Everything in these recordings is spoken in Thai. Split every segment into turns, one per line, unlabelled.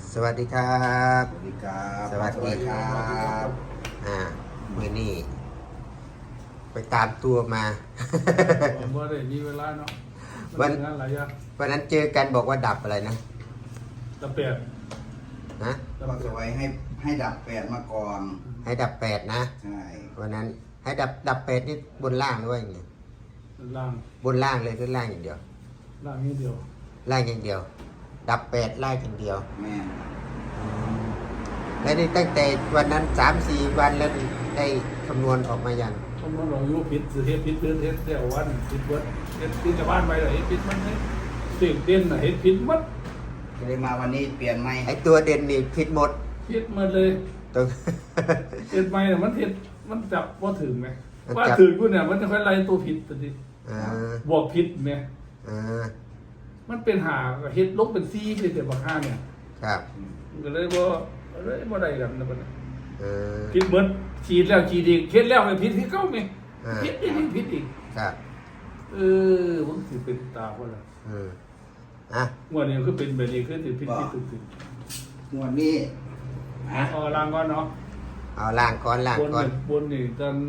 สวัสดีครับ
สวัสดีครับ
สวัสดีครับมือนี่ไปตามตัวมา
ผมว่าได้มีเวลาเนาะ
วัน
งานหลายอย่าง
วันนั้นเจอกันบอกว่าดับอะไรนะ
ตะเปียด
นะ
ก็จะไว้ให้ดับแปดมาก่อน
ให้ดับแปดนะ
ใช่
วันนั้นให้ดับแปดนี่บนล่างด้วยไง
ล่าง
บนล่างเลยคือล่างอย่างเดียว
ล่างนี้เดียว
ล่างอย่างเดียว ดับแปดล่างอย่างเดียว
แม่
แล้วนี่ตั้งแต่วันนั้น3-4 วันแล้วนี่ได้คำนวณออกมายัง
ผมว่าลองยุพิษเฮ็ดพิษเดือนเฮ็ดเดี่ยววันพิษเบิดเฮ็ดพิษจะบ้านไปเลยพิษมันให้ตื่นเต้นน่ะเฮ็ดพิษมัด
ก็เลยมาวันนี้เปลี่ยนไหม
ไอตัวเด่นนี่ผิดหมด
พิษมันเลย
ตรง
เฮ็ดไปน่ะมันเฮ็ดมันจับว่าถึงไหม
มัน
ว่า
จับ
ถึงกูเนี่ยมันจะค่อยไล่ตัวผิดตัวนี้
อ่า
บวกผิดไหม
อ่า
มันเป็นหาเฮ็ดลบเป็นซี่เลยแต่บางห้าเนี่ย
ครับ
มันก็เลยบ่ได้กันนะบัดนี้
เออ
พิษเหมือนฉีดแล้วฉีดอีกเฮ็ดแล้วไปพิษที่เก้าไหม
อ่า
พิษอีกพิษอีก
ครับ
ผมถือเป็นตาคนละ
อืมอ่ะ
งวดนี้คือเป็นแบบนี้คือถือพิษพิษตื่น
งวดนี้
เอาล่างก่อนเนาะ
เอาล่างก่อนล่าง
บน
ก่อน
นี่บนนี่ตอน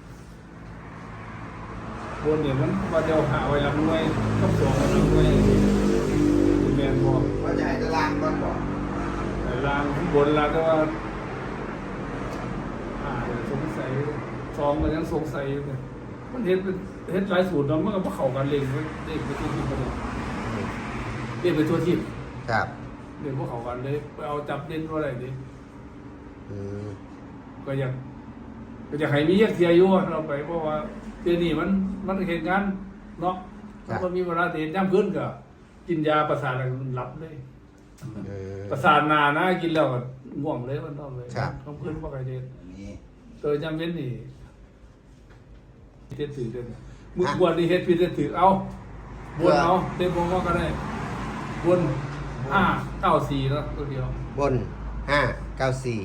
บนนี่มันว่าเดียวหาไว้ลำหน่วยกับสองลำหน่วยแมนบอก
ว่าจะให้ตารางก่อนบอก
แต่ล่างบนล่างก็ว่าสงสัยสองมันยังสงสัยอยู่เนี่ยมันเห็นเป็นเห็นหลายสูตรเนาะมันก็บ่เข้ากันเลยเด็กไปทั่วทิพย์ไปเลยเด็กไปทั่วทิพย์
ครับ
เด็กพวกเขากันเลยไปเอาจับเด่นว่าอะไรดิ
อืม
ก็อยากให้มีเยอะเทียอยู่เราไปเพราะว่าเทียนี่มันเหตุงานเนาะมันมีเวลาเดินย่ำขึ้นก็กินยาประสาทอะไรมันหลับเลย
เออ
ประสาทนานะกินแล้วก็ง่วงเลยมันต้องเลย
ครับ
ต้องขึ้นว่าใครเดิน
อันนี้
โดยจำเป็นนี่เฮ็ดถือเดินมือบวชนี่เฮ็ดผิดเฮ็ดถือเอาบวชเอาเต็มวงก็ได้บน594แล้วตัวเดียว
บน594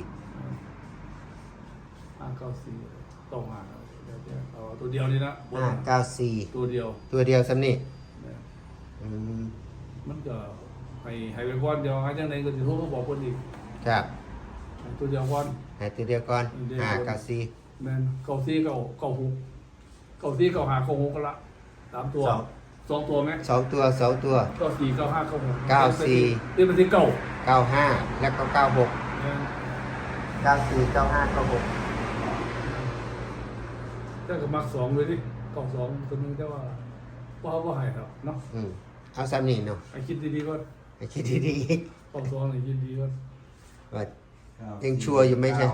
594ต้องมาเดี๋ยวเอาตัวเดียวนี่นะบน
594
ตัวเดียว
ตัวเดียวซ้ำนี่
เนี่ย
อืม
มันก็ให้ไปก่อนเดียวหาจังไดก็สิโทรมาบอกเพิ่นอีก
ครับ
ให้ตัวเดียวก่อน
ให้ตัวเดียวก่อน
เดี๋ยว
594
แม่น94 96ก็ละ3ตัว2ตัวไหม
2 ตัว 2 ตัว
94 95 96
94
นี่มันสิเก่า
95 แล้วก็ 96
แม่น
94 95 96
แต่ก็มัก2เลยดิ92ตัวนึงแต่ว่าบ่ให้ครับเนาะ
อืมเอาซ้ำนี่เนาะ
ให้คิดดีๆก่อน
ให้คิดดีๆอีก
92ให้คิดดีก่อน
ว่า ยังชัวร์อยู่ไหมใช่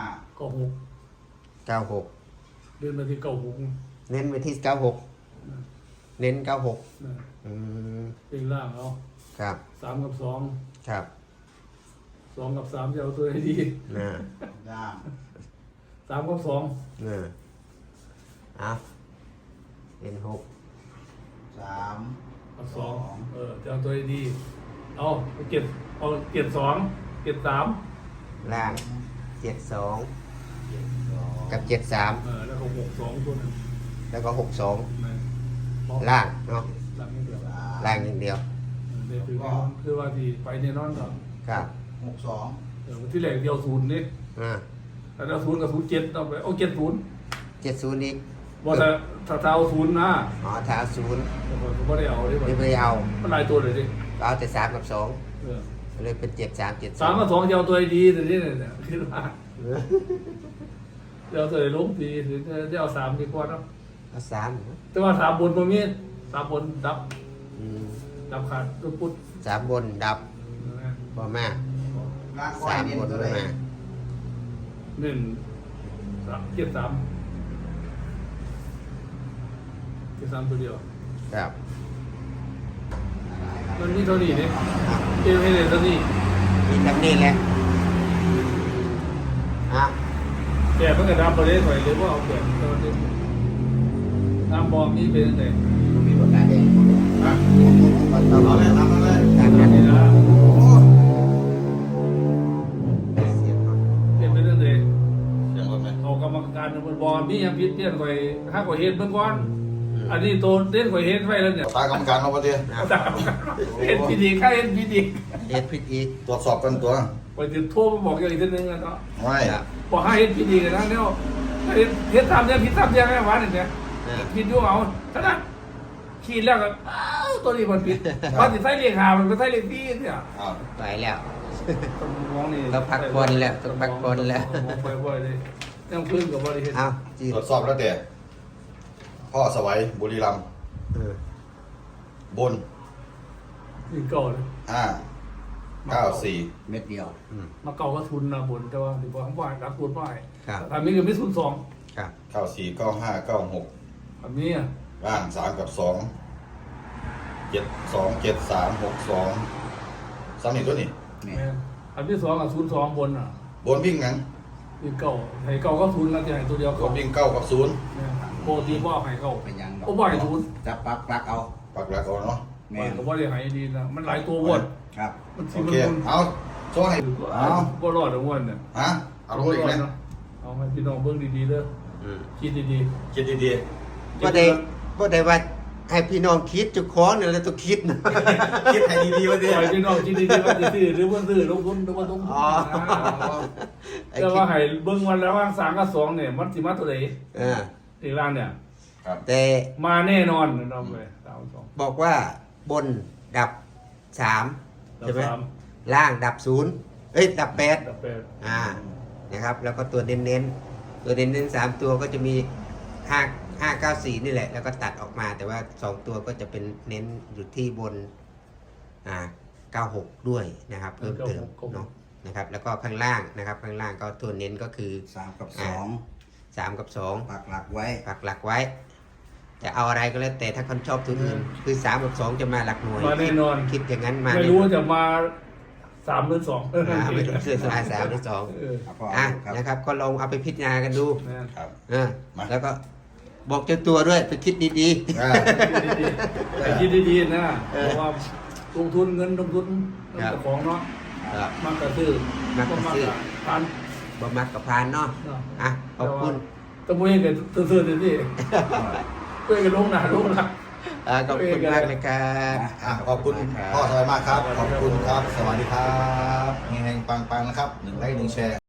96
96
เดินมาที่96
เน้นไปที่ 96 เน้น 96
นะ
อืม
เป็นล่างเอา
ครับ
3 กับ 2
ครับ
2 กับ 3จะเอาตัวให้ดี
น่ะ
ด้าม
3 กับ 2
น่ะเอาเน้น6
3
กับ2จะเอาตัวให้ดีเอาเก็บ2เก็บ3
ล่าง 72 กับ
แล้วก็6 2ตัวนึง
73 แล้วก็ 62
นะ
ล่างเนาะ
ล่างนี่เดียว
ล่างอย่างเดียว
เดี๋ยวคือว่าที่ไปเนี่ยนอนก็
ครับ
62
ที่แรกเดียว0นี่
อ่า
แล้ว0กับ07ต้องไปเอา70
70อีก
บ่ถ้าเท้า0นะ
อ๋อถ้าเอา0
ผมบ่ได้เอาดิ
ไม่ไปเอา
มันหลายตัวเลยดิ
ก็เอาแต่3 กับ
เออ
2เลยเป็น 73 72
3 กับ 2จะเอาตัวให้ดีแต่นี่เนี่ยคิดว่าจะเอาตัวให้ลงดีหรือจะเอา3ดีกว่าเนาะ
เอา3
แต่ว่า3บนบ่มี3บนดับ
อืม
ดับขาดตุ๊ปุ๊ด
3 บนดับบ่มาก
ร่างก้อยเน้น
3 บน
ตัว
บ่
ไหน
มา
เจ็ดสามตัวเดียว
ครับ
มันมีเท่านี้เนี่ยเอวให้เลยเท่านี้
มีทั้งนี้แหละอ่ะ
แต่เพิ่งจะดับไปเลยถอยเลยว่าเอาแบบตอนนี้น้ำบอมนี่เป็นยังไง
มีปากกาแดงอ่ะเอาเลยทำเลย
ตามนั้น
นี่นะ
เสียงก่อน
เป็นยังไง
เสียงรถไหม
เอากรรมการมันบอมนี่ยังพิษเตี้ยนข่อยห้าข่อยเฮ็ดเบิ่งก่อนอันนี้ตัวเต้นข่อยเฮ็ดไว้แล้วเนี่ย
ตากรรมการเราประเดี๋ยว
เห็นพีดีค่าเห็นพีดี
เเฮ็ดผิดอีก
ตรวจสอบกันตัว
ไปถึงโทรมาบอกอย่างอีกทีนึงเนาะ
ไม่
ครับ
บอกให้เฮ็ดผิดอีกนะเนี่ยเฮ็ดทำเนี่ยผิดทำยังไงวะเนี่ยผิดอยู่เอาขนาดขีดแล้วก็ตัวนี้มันผิดมันสิใส่เลข5มันไปใส่เลข4เนี่ย
อ้าว
ไปแล้ว
ต้องมองนี่
ต้องพักผ่อนแล้วต้องพักผ่อนแล้ว
มองไปบ่อยเลยยังพื้นกับบริเฮ็ด
เอาจี
ตรวจสอบแล้วแต่พ่อสวัยบุรีรัมย์
เออบ
น
นี่เก่าเลย
94
เม็ดเดียว
มาเก่าก็ทุนนะบนแต่ว่าถือว่าของบ่ายรักทุนบ่าย
ครับ
ทำนี้ก็ไม่ทุน2
ครับ
94 95 96
ทำนี้อ่ะ
ร่าง3กับ2 72 73 62ซ้ำอีกตัวนี่
นี่
แม่นอันที่2อ่ะ02บนอ่ะ
บนวิ่งหยัง
นี่เก่าให้เก่าก็ทุนแล้วจะให้ตัวเดียว
บ
เก่าน
วิ่ง9กับ0
แม่นโปรตีบ่ให้เก่า
เป็นยัง
โอ้บ่ให้ทุน
จะปักเอา
ปักหลักเอาเนาะ
แม่น
ก็บ่ได้ให้ดีนะมันหลายตัวบน
ครับ
มันสิ
โอ
มัน
เค
ทุน
เอาโซ่ให้เอา
บ่รอดอ่ะม่วนเนี่ย
ฮะเอาลงอีกไหม
เอาให้พี่น้องเบิ่งดีๆเด้อ
อืม
คิดดี
คิดดี
ๆ
บ่ได้ว่าให้พี่น้องคิดเจุกของเนี่ยแล้วต้องคิดนะ
ๆคิดให้ดีๆว่าดิ
ปล่อยพี่น้องคิดดีๆว่าสิซื้อหรือบ่ซื้อลงทุนหรือบ่ลงทุน
อ๋อ ไอ้
แต่
คิ
ว่า
ด
ให้เบิ่งวันแล้วว่าง3กับ2เนี่ยมันสิมาตัวใด
เออ
อีกล่างเนี่ย
ครับ
แต่
มาแน่นอนนะน้องไป3 2
บอกว่าบนดับ3ใช่ไหม
สาม
ล่างดับ0เอ้ยดับ8
ดับแปด
นะครับ แล้วก็ตัวเน้นๆตัวเน้นๆ3ตัวก็จะมี594นี่แหละ แล้วก็ตัดออกมา แต่ว่า2ตัวก็จะเป็นเน้นอยู่ที่บน96ด้วยนะครับ เพิ่มเติมเนาะนะครับ แล้วก็ข้างล่างนะครับ ข้างล่างก็ตัวเน้นก็คือ
3 กับ
3 กับ 2
2ปักหลักไว้
ปักหลักไว้ แต่เอาอะไรก็แล้วแต่ถ้าคนชอบตัวอื่นคือ3กับ2จะมาหลักหน่วย
มาแน่นอน
คิดอย่างนั้นมา
ไม่รู้ว่าจะมา3หรือ2
ไม่รู้เสื้อสลาย3หรือ
เออ
เอาพอ
2อ่ะ
ครับ
นะครับ ก็ลองเอาไปพิจารณากันดู
แม่น
ครับ มา
แล้วก็บอกเจ้าตัวด้วยไปคิดดี
อ่า
แต่คิดดีๆนะเพราะว่าลงทุนเงินลงทุนเจ้าของเนาะ
ๆครับ
มากกระซื้อ
มากกระซื้อ
ทาน
บ่มักกับพานเนาะ
เนาะ
อ่ะขอบคุณ
ตะมุยกันซื่อๆนี่เพื่อนกันลงหน้าลงหลัง
ขอบคุณมากนะครับ
อ่ะขอบคุณพ่อสวัยมากครับ ขอบคุณครับ สวัสดีครับเฮงๆปังๆนะครับ1 ไลค์ 1 แชร์